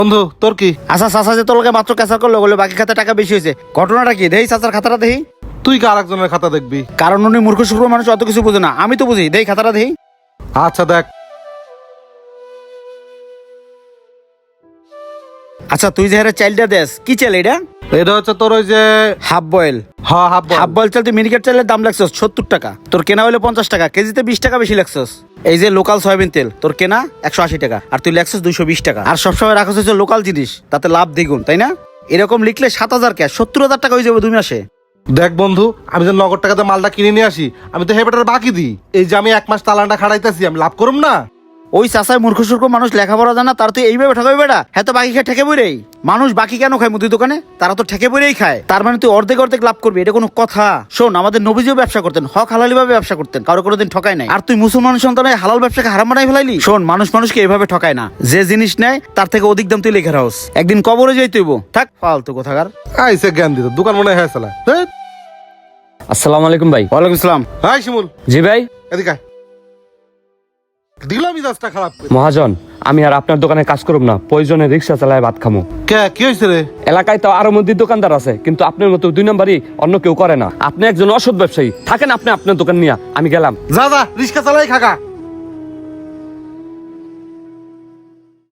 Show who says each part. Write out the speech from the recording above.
Speaker 1: বন্ধু তোর কি?
Speaker 2: আচ্ছা চাচা যে তোর লগে মাত্র ক্যাসার করলো বলে বাকি খাতে টাকা বেশি হয়েছে, ঘটনাটা কি? দেই চাচার খাতাটা দেই।
Speaker 1: তুই কি আরেকজনের খাতা দেখবি?
Speaker 2: কারণ উনি মূর্খ শুক্র মানুষ, অত কিছু বুঝে না, আমি তো বুঝি। দেই খাতাটা দেই।
Speaker 1: আচ্ছা দেখ।
Speaker 2: আচ্ছা তুই যে হারে চাইলটা দেস, কি চাইল এটা?
Speaker 1: এটা হচ্ছে তোর ওই যে
Speaker 2: হাফ বয়েল।
Speaker 1: হ্যাঁ হাফ
Speaker 2: হাফ বয়েল চাল তুই মিনিকেট চাইলের দাম লাগছস 70 টাকা, তোর কেনা হলো 50 টাকা, কেজিতে 20 টাকা বেশি লাগছস। এই যে লোকাল সয়াবিন তেল তোর কেনা 180 টাকা, আর তুই লাগছস 220 টাকা। আর সবসময় রাখছ হচ্ছে লোকাল জিনিস, তাতে লাভ দ্বিগুণ, তাই না? এরকম লিখলে 7,000 ক্যাশ 70,000 টাকা হয়ে যাবে 2 মাসে।
Speaker 1: দেখ বন্ধু, আমি যে নগদ টাকাতে মালটা কিনে নিয়ে আসি, আমি তো হেবেটার বাকি দিই। এই যে আমি 1 মাস চালানটা খাড়াইতেছি, আমি লাভ করুম না?
Speaker 2: ওই চাষায় মূর্খ সূর্খ মানুষ লেখাপড়া জানা, তার তুই এইভাবে ঠকাবি বেটা? হ্যাঁ তো বাকি খেয়ে ঠেকে বইরেই মানুষ বাকি কেন খায় মুদির দোকানে? তারা তো ঠেকে বইরেই খায়। তার মানে তুই অর্ধেক অর্ধেক লাভ করবি, এটা কোনো কথা? শোন, আমাদের নবীজিও ব্যবসা করতেন, হক হালালি ভাবে ব্যবসা করতেন, কারো কোনোদিন ঠকায় নাই। আর তুই মুসলমান সন্তানের হালাল ব্যবসাকে হারাম বানাই ফেলাইলি। শোন, মানুষ মানুষকে এভাবে ঠকায় না, যে জিনিস নেয় তার থেকে অধিক দাম তুই লেখা রাখস, একদিন কবরে যাই তুইব। থাক ফালতু কোথাকার।
Speaker 1: আইসে জ্ঞান দিত, দোকান মনে হয় চালা।
Speaker 3: আসসালামু আলাইকুম ভাই।
Speaker 2: ওয়ালাইকুম সালাম।
Speaker 1: হাই শিমুল,
Speaker 3: জি ভাই।
Speaker 1: এদিকে আয়। দিলাম মিজাজটা খারাপ করে।
Speaker 3: মহাজন, আমি আর আপনার দোকানে কাজ করব না, প্রয়োজনে রিক্সা চালায় ভাত খামো।
Speaker 1: কে কি হয়েছে রে?
Speaker 3: এলাকায় তো আরো মধ্যে দোকানদার আছে, কিন্তু আপনার মতো 2 নম্বরই অন্য কেউ করে না। আপনি একজন অসৎ ব্যবসায়ী, থাকেন আপনি আপনার দোকান নিয়ে, আমি গেলাম।
Speaker 1: যা যা রিক্সা চালাই খাকা।